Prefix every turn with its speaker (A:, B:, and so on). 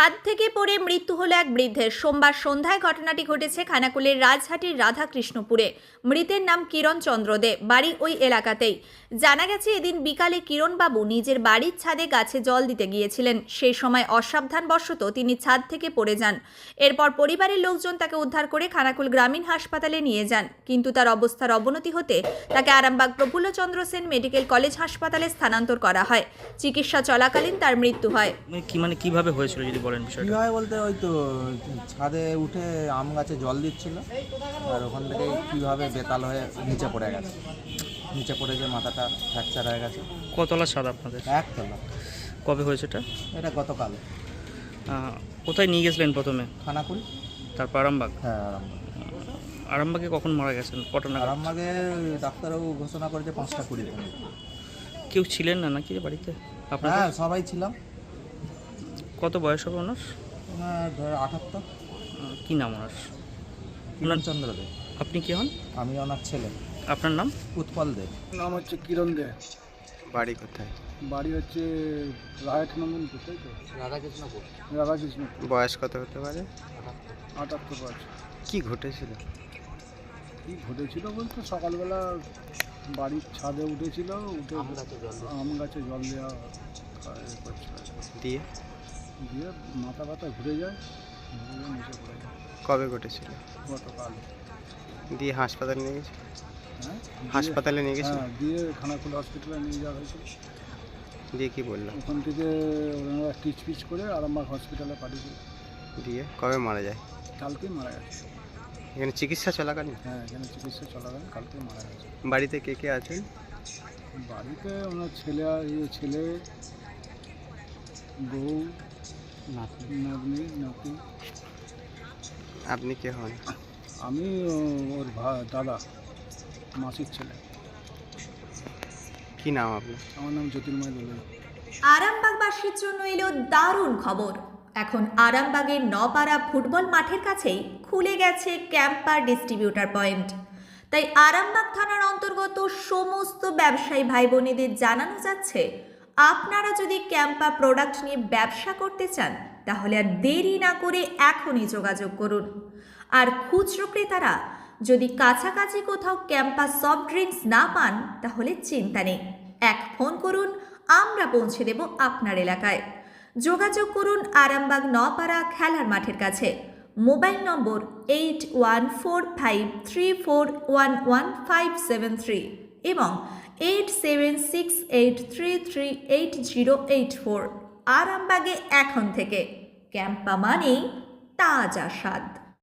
A: ছাদ থেকে পড়ে মৃত্যু হলো এক বৃদ্ধের। সোমবার সন্ধ্যায় ঘটনাটি ঘটেছে খানাকুলের রাজহাটির রাধাকৃষ্ণপুরে। মৃতের নাম কিরণ চন্দ্র দে, বাড়ি ওই এলাকাতেই। জানা গেছে এদিন বিকালে কিরণবাবু নিজের বাড়ির ছাদে গাছে জল দিতে গিয়েছিলেন। সেই সময় অসাবধানবশত তিনি ছাদ থেকে পড়ে যান। এরপর পরিবারের লোকজন তাকে উদ্ধার করে খানাকুল গ্রামীণ হাসপাতালে নিয়ে যান, কিন্তু তার অবস্থার অবনতি হতে তাকে আরামবাগ প্রফুল্লচন্দ্র সেন মেডিকেল কলেজ হাসপাতালে স্থানান্তর করা হয়। চিকিৎসা চলাকালীন তার মৃত্যু হয়।
B: কিভাবে হয়েছিল যদি বলেন বিষয়টা?
C: কীভাবে বলতে ওই তো ছাদে উঠে আম গাছে জল দিচ্ছিল, আর ওখান থেকে কীভাবে বেতাল হয়ে নিচে পড়ে গেছে। নিচে পড়ে যে মাথাটা ফ্র্যাকচার হয়ে গেছে।
B: কতলা ছাদ আপনাদের?
C: একতলা।
B: কবে হয়েছে
C: এটা গতকাল।
B: কোথায় নিয়ে গেছিলেন প্রথমে?
C: খানাকুল।
B: তারপর আরামবাগ?
C: হ্যাঁ, আরামবাগ।
B: আরামবাগে কখন মারা গেছেন? কটনা?
C: আরামবাগে ডাক্তারবাবু ঘোষণা করেছে 5:20।
B: কেউ ছিলেন না নাকি বাড়িতে আপনার?
C: হ্যাঁ, সবাই ছিলাম।
B: কত বয়স হবে ওনার?
C: 78।
B: কী নাম ওনার?
C: কিরণ চন্দ্র দে।
B: আপনি কি হন?
C: আমি ওনার ছেলে।
B: আপনার নাম?
C: উৎপল দে।
D: নাম হচ্ছে কিরণ দে।
B: বাড়ি কোথায়?
D: বাড়ি হচ্ছে রায়ট নন্দনপুর, তাই তো?
C: রাধাকৃষ্ণপুর।
D: রাধাকৃষ্ণপুর।
B: বয়স কত হতে পারে?
D: 78 বছর।
B: কি ঘটেছিল?
D: কী ঘটেছিল বলতে সকালবেলা বাড়ির ছাদে উঠেছিল, উঠে আম গাছে জল দেওয়া করছিল।
B: দিয়ে
D: দিয়ে মাথা ব্যথা ঘুরে যায়, নিচে পড়ে যায়।
B: কবে ঘটেছিল?
D: গতকাল।
B: দিয়ে হাসপাতালে নিয়ে গেছে?
D: হ্যাঁ,
B: হাসপাতালে নিয়ে গেছিল?
D: হ্যাঁ, দিয়ে খানাকুল হসপিটালে নিয়ে যাওয়া হয়েছিল।
B: দিয়ে কি বললো?
D: ওখান থেকে ওনারা টিচ পিচ করে আরামবাগ হসপিটালে পাঠিয়েছিল।
B: দিয়ে কবে মারা যায়?
D: কালকেই মারা গেছে।
B: এখানে চিকিৎসা চলাকালীন?
D: হ্যাঁ, এখানে চিকিৎসা চলাকালীন কালকেই মারা গেছে।
B: বাড়িতে কে কে আছেন?
D: বাড়িতে ওনার ছেলে, বউ, নাতনি, নাতি।
B: আপনি কে হন?
D: আমি ওর দাদা, মাসির ছেলে।
B: কি নাম আপনার?
D: আমার নাম জ্যোতির্ময় দোলে।
A: আরামবাগবাসীর জন্য এলো দারুণ খবর। এখন আরামবাগের নপাড়া ফুটবল মাঠের কাছেই খুলে গেছে ক্যাম্পার ডিস্ট্রিবিউটার পয়েন্ট। তাই আরামবাগ থানার অন্তর্গত সমস্ত ব্যবসায়ী ভাই বোনেদের জানানো যাচ্ছে, আপনারা যদি ক্যাম্পা প্রোডাক্ট নিয়ে ব্যবসা করতে চান তাহলে আর দেরি না করে এখনই যোগাযোগ করুন। আর খুচরো ক্রেতারা যদি কাছাকাছি কোথাও ক্যাম্পা সফট ড্রিঙ্কস না পান তাহলে চিন্তা নেই, এক ফোন করুন, আমরা পৌঁছে দেব আপনার এলাকায়। যোগাযোগ করুন আরামবাগ নপাড়া খেলার মাঠের কাছে। মোবাইল নম্বর 8143411573 এবং 8768338084। আরামবাগে এখন থেকে ক্যাম্পা মানেই তাজা স্বাদ।